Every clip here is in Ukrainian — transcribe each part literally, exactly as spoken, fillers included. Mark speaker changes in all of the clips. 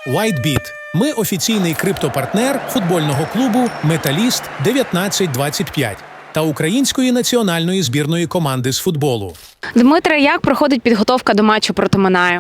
Speaker 1: WhiteBit – ми офіційний криптопартнер футбольного клубу «Металіст дев'ятнадцять двадцять п'ять» та української національної збірної команди з футболу.
Speaker 2: Дмитре, як проходить підготовка до матчу проти Минаю?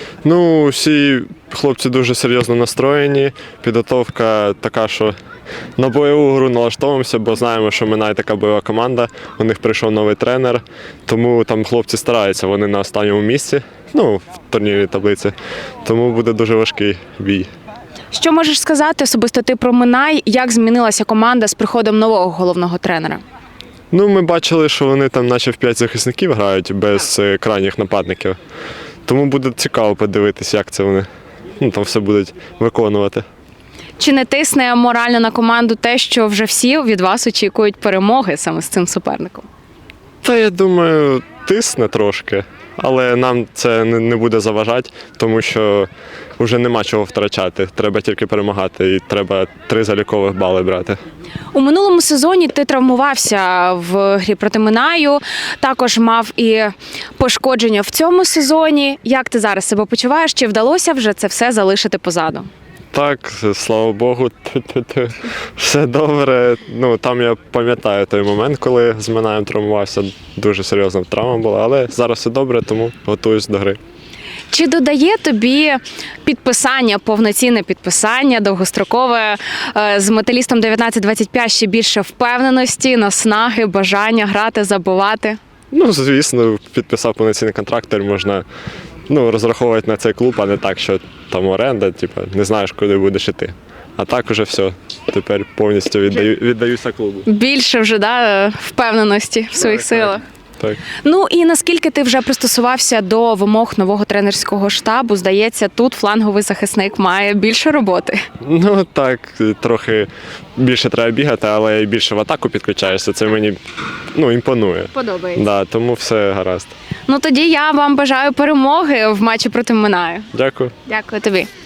Speaker 3: Ну, всі хлопці дуже серйозно настроєні. Підготовка така, що на бойову гру налаштовуємося, бо знаємо, що Минай така бойова команда. У них прийшов новий тренер, тому там хлопці стараються, вони на останньому місці, ну, в турнірній таблиці. Тому буде дуже важкий бій.
Speaker 2: Що можеш сказати особисто ти про Минай? Як змінилася команда з приходом нового головного тренера?
Speaker 3: Ну, ми бачили, що вони там наче в п'ять захисників грають без е, крайніх нападників. Тому буде цікаво подивитися, як це вони ну, там все будуть виконувати.
Speaker 2: Чи не тисне морально на команду те, що вже всі від вас очікують перемоги саме з цим суперником?
Speaker 3: Та я думаю, тисне трошки, але нам це не не буде заважати, тому що вже нема чого втрачати. Треба тільки перемагати і треба три залікових бали брати.
Speaker 2: У минулому сезоні ти травмувався в грі проти Минаю, також мав і пошкодження в цьому сезоні. Як ти зараз себе почуваєш? Чи вдалося вже це все залишити позаду?
Speaker 3: Так, слава Богу, ту-ту-ту. Все добре. Ну, там я пам'ятаю той момент, коли з Минаєм травмувався. Дуже серйозна травма була, але зараз все добре, тому готуюсь до гри.
Speaker 2: Чи додає тобі підписання, повноцінне підписання, довгострокове е, з металістом дев'ятнадцять двадцять п'ять ще більше впевненості, наснаги, бажання грати, забивати?
Speaker 3: Ну, звісно, підписав повноцінний контракт, тепер можна ну, розраховувати на цей клуб, а не так, що там оренда, типу, не знаєш, куди будеш іти. А так уже все, тепер повністю віддаю, віддаюся клубу.
Speaker 2: Більше вже да, впевненості в своїх
Speaker 3: Так,
Speaker 2: силах.
Speaker 3: Так.
Speaker 2: Ну і наскільки ти вже пристосувався до вимог нового тренерського штабу? Здається, тут фланговий захисник має більше роботи.
Speaker 3: Ну так, трохи більше треба бігати, але і більше в атаку підключаєшся. Це мені ну, імпонує.
Speaker 2: Подобається.
Speaker 3: Да, тому все гаразд.
Speaker 2: Ну тоді я вам бажаю перемоги в матчі проти Минаю.
Speaker 3: Дякую.
Speaker 2: Дякую тобі.